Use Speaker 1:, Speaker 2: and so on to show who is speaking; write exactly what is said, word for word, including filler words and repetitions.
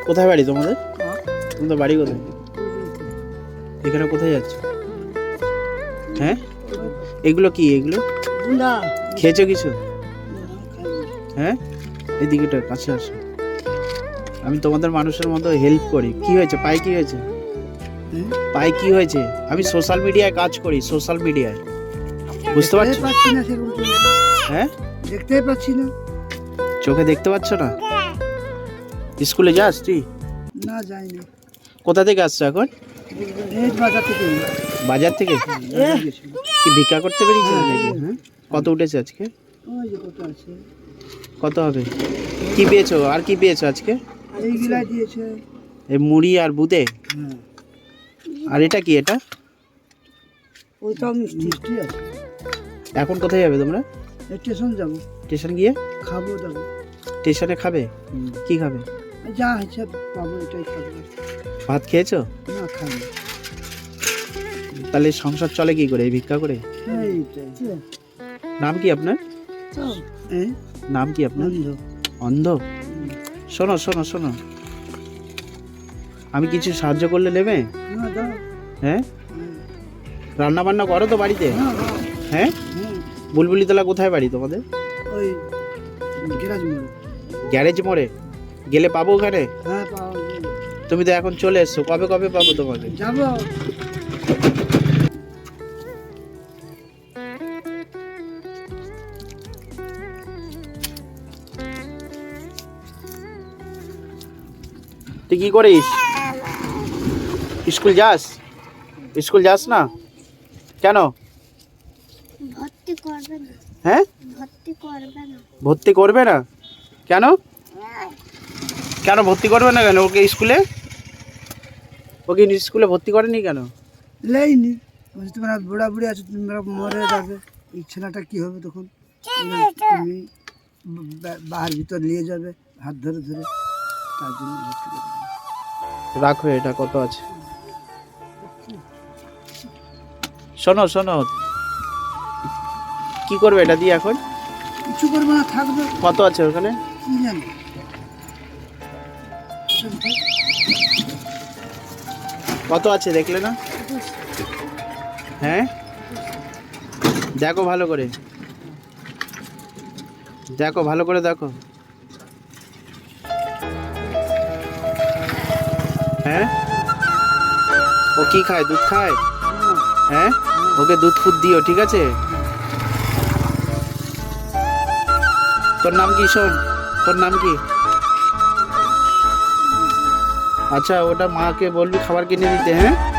Speaker 1: কোথায় বাড়ি তোমাদের? তোমাদের বাড়ি কোথায়? এখানে কোথায় যাচ্ছ? হ্যাঁ, এগুলো কি? এগুলো খেয়েছো কিছু? হ্যাঁ, এদিকেটা কাছে আসো। আমি তোমাদের মানুষের মতো হেল্প করি। কি হয়েছে পায়ে? কি হয়েছে পায়ে? কি হয়েছে? আমি সোশ্যাল মিডিয়ায় কাজ করি, সোশ্যাল মিডিয়ায়। বুঝতে পারছো? হ্যাঁ,
Speaker 2: দেখতেই পাচ্ছি না।
Speaker 1: চোখে দেখতে পাচ্ছ না? স্কুলে যাস তুই?
Speaker 2: না, যাই না।
Speaker 1: কোথা থেকে আসছো এখন?
Speaker 2: এই বাজার থেকে।
Speaker 1: বাজার থেকে? কি ভিক্ষা করতে পেরেছিস নাকি? হ্যাঁ, কত উঠেছে আজকে?
Speaker 2: ওই যে কত আছে।
Speaker 1: কত হবে? কি পেয়েছো? আর কি পেয়েছো আজকে?
Speaker 2: এইগুলা দিয়েছে।
Speaker 1: এই মুড়ি আর বুদে?
Speaker 2: হ্যাঁ।
Speaker 1: আর এটা কি? এটা
Speaker 2: ওইটাও মিষ্টি মিষ্টি আছে।
Speaker 1: এখন কোথায় যাবে তোমরা?
Speaker 2: স্টেশন যাবো,
Speaker 1: স্টেশন গিয়ে
Speaker 2: খাবো দাবো।
Speaker 1: স্টেশনে খাবে? কি খাবে?
Speaker 2: যা হচ্ছে পাবো এটাই খাবো।
Speaker 1: ভাত খেয়েছো?
Speaker 2: না, খাবো।
Speaker 1: তাহলে সংসার চলে কি করে? এই ভিক্ষা করে?
Speaker 2: এইটাই।
Speaker 1: নাম কি আপনার?
Speaker 2: হ্যাঁ,
Speaker 1: নাম কি আপনার?
Speaker 2: বন্ধ।
Speaker 1: অন্ধ? শোনো শোনো শোনো, আমি কিছু সাহায্য করলে নেবে?
Speaker 2: না, দাও।
Speaker 1: হ্যাঁ, রান্না বান্না করো তো বাড়িতে?
Speaker 2: হ্যাঁ, হ্যাঁ,
Speaker 1: হ্যাঁ,
Speaker 2: হ্যাঁ।
Speaker 1: বুলবুলিতলা কোথায় বাড়ি তোমাদের?
Speaker 2: ওই গ্যারাজ মোড়ে।
Speaker 1: গ্যারেজ মোড়ে গেলে পাবো ওখানে?
Speaker 2: হ্যাঁ, পাওয়া যাবে।
Speaker 1: তুমি তো এখন চলে এসছো, কবে কবে পাবো তোমাকে?
Speaker 2: যাবো।
Speaker 1: তুই কি করিস? স্কুল যাস? স্কুল যাস না কেন?
Speaker 3: ভর্তি করবে না।
Speaker 1: হ্যাঁ,
Speaker 3: ভর্তি করবে না।
Speaker 1: ভর্তি করবে না কেন? কেন ভর্তি করবে না কেন? ওকে স্কুলে ওকে স্কুলে ভর্তি করেনি কেন?
Speaker 2: লেইনি। বলছি তোমরা বুড়া বুড়ি আছো, তোমরা মরে যাবে। এই ছেলেটা কি হবে তখন? তুমি বা- বাহার ভিতর নিয়ে যাবে হাত ধরে ধরে। তার জন্য ভর্তি করে দিলাম।
Speaker 1: রাখো, এটা কত আছে? শোনো শোনো, কি করবে এটা দিয়ে এখন?
Speaker 2: কিছু করবো না, থাকবে।
Speaker 1: কত আছে ওখানে?
Speaker 2: কি জানি।
Speaker 1: কত আছে দেখলে না? হ্যাঁ, দেখো ভালো করে, দেখো ভালো করে দেখো। হ্যাঁ, ও কি খায়? দুধ খায়? হ্যাঁ, ওকে দুধ ফুদ দিও, ঠিক আছে? তোর নাম কি? শোন, তোর নাম কি? আচ্ছা, ওটা মাকে বলবি খাবার কিনে দিতে। হ্যাঁ।